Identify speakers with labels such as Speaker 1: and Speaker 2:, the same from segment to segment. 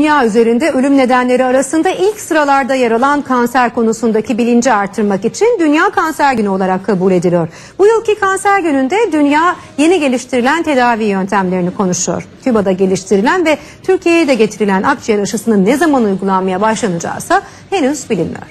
Speaker 1: Dünya üzerinde ölüm nedenleri arasında ilk sıralarda yer alan kanser konusundaki bilinci artırmak için Dünya Kanser Günü olarak kabul ediliyor. Bu yılki Kanser Günü'nde dünya yeni geliştirilen tedavi yöntemlerini konuşuyor. Küba'da geliştirilen ve Türkiye'ye de getirilen akciğer aşısının ne zaman uygulanmaya başlanacağıysa henüz bilinmiyor.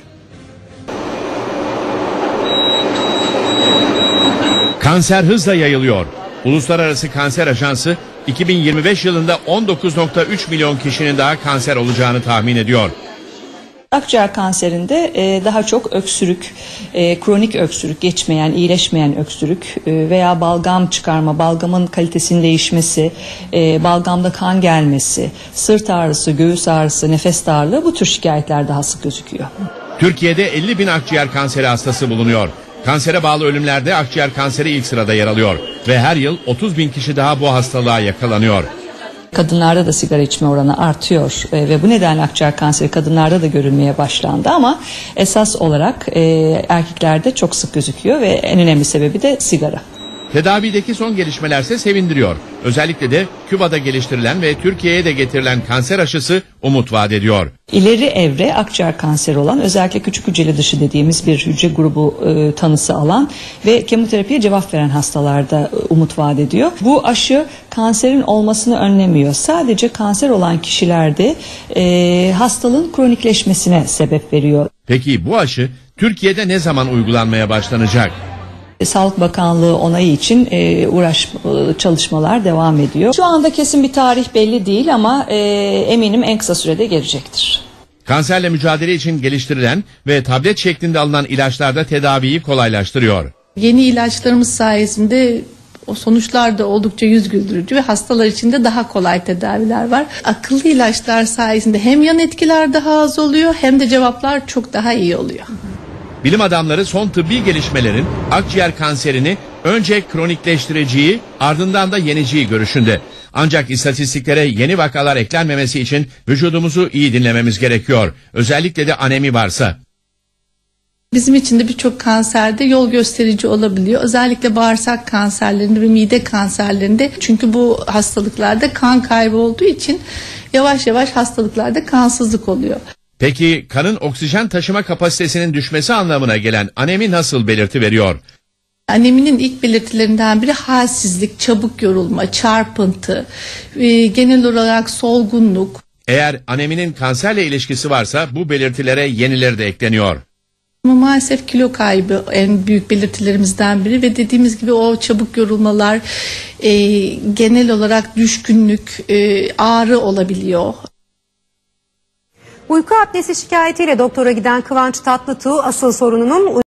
Speaker 2: Kanser hızla yayılıyor. Uluslararası Kanser Ajansı 2025 yılında 19,3 milyon kişinin daha kanser olacağını tahmin ediyor.
Speaker 3: Akciğer kanserinde daha çok öksürük, kronik öksürük, geçmeyen, iyileşmeyen öksürük veya balgam çıkarma, balgamın kalitesinin değişmesi, balgamda kan gelmesi, sırt ağrısı, göğüs ağrısı, nefes darlığı bu tür şikayetler daha sık gözüküyor.
Speaker 2: Türkiye'de 50 bin akciğer kanseri hastası bulunuyor. Kansere bağlı ölümlerde akciğer kanseri ilk sırada yer alıyor ve her yıl 30 bin kişi daha bu hastalığa yakalanıyor.
Speaker 3: Kadınlarda da sigara içme oranı artıyor ve bu nedenle akciğer kanseri kadınlarda da görülmeye başlandı ama esas olarak erkeklerde çok sık gözüküyor ve en önemli sebebi de sigara.
Speaker 2: Tedavideki son gelişmelerse sevindiriyor. Özellikle de Küba'da geliştirilen ve Türkiye'ye de getirilen kanser aşısı umut vaat ediyor.
Speaker 3: İleri evre akciğer kanseri olan, özellikle küçük hücreli dışı dediğimiz bir hücre grubu tanısı alan ve kemoterapiye cevap veren hastalarda umut vaat ediyor. Bu aşı kanserin olmasını önlemiyor. Sadece kanser olan kişilerde hastalığın kronikleşmesine sebep veriyor.
Speaker 2: Peki bu aşı Türkiye'de ne zaman uygulanmaya başlanacak?
Speaker 3: Sağlık Bakanlığı onayı için çalışmalar devam ediyor. Şu anda kesin bir tarih belli değil ama eminim en kısa sürede gelecektir.
Speaker 2: Kanserle mücadele için geliştirilen ve tablet şeklinde alınan ilaçlar da tedaviyi kolaylaştırıyor.
Speaker 4: Yeni ilaçlarımız sayesinde o sonuçlar da oldukça yüz güldürücü ve hastalar için de daha kolay tedaviler var. Akıllı ilaçlar sayesinde hem yan etkiler daha az oluyor hem de cevaplar çok daha iyi oluyor.
Speaker 2: Bilim adamları son tıbbi gelişmelerin akciğer kanserini önce kronikleştireceği, ardından da yeneceği görüşünde. Ancak istatistiklere yeni vakalar eklenmemesi için vücudumuzu iyi dinlememiz gerekiyor. Özellikle de anemi varsa.
Speaker 4: Bizim için de birçok kanserde yol gösterici olabiliyor. Özellikle bağırsak kanserlerinde ve mide kanserlerinde. Çünkü bu hastalıklarda kan kaybı olduğu için yavaş yavaş hastalıklarda kansızlık oluyor.
Speaker 2: Peki kanın oksijen taşıma kapasitesinin düşmesi anlamına gelen anemi nasıl belirti veriyor?
Speaker 4: Aneminin ilk belirtilerinden biri halsizlik, çabuk yorulma, çarpıntı, genel olarak solgunluk.
Speaker 2: Eğer aneminin kanserle ilişkisi varsa bu belirtilere yenileri de ekleniyor.
Speaker 4: Ama maalesef kilo kaybı en büyük belirtilerimizden biri ve dediğimiz gibi o çabuk yorulmalar, genel olarak düşkünlük, ağrı olabiliyor.
Speaker 1: Uyku apnesi şikayetiyle doktora giden Kıvanç Tatlıtuğ asıl sorununun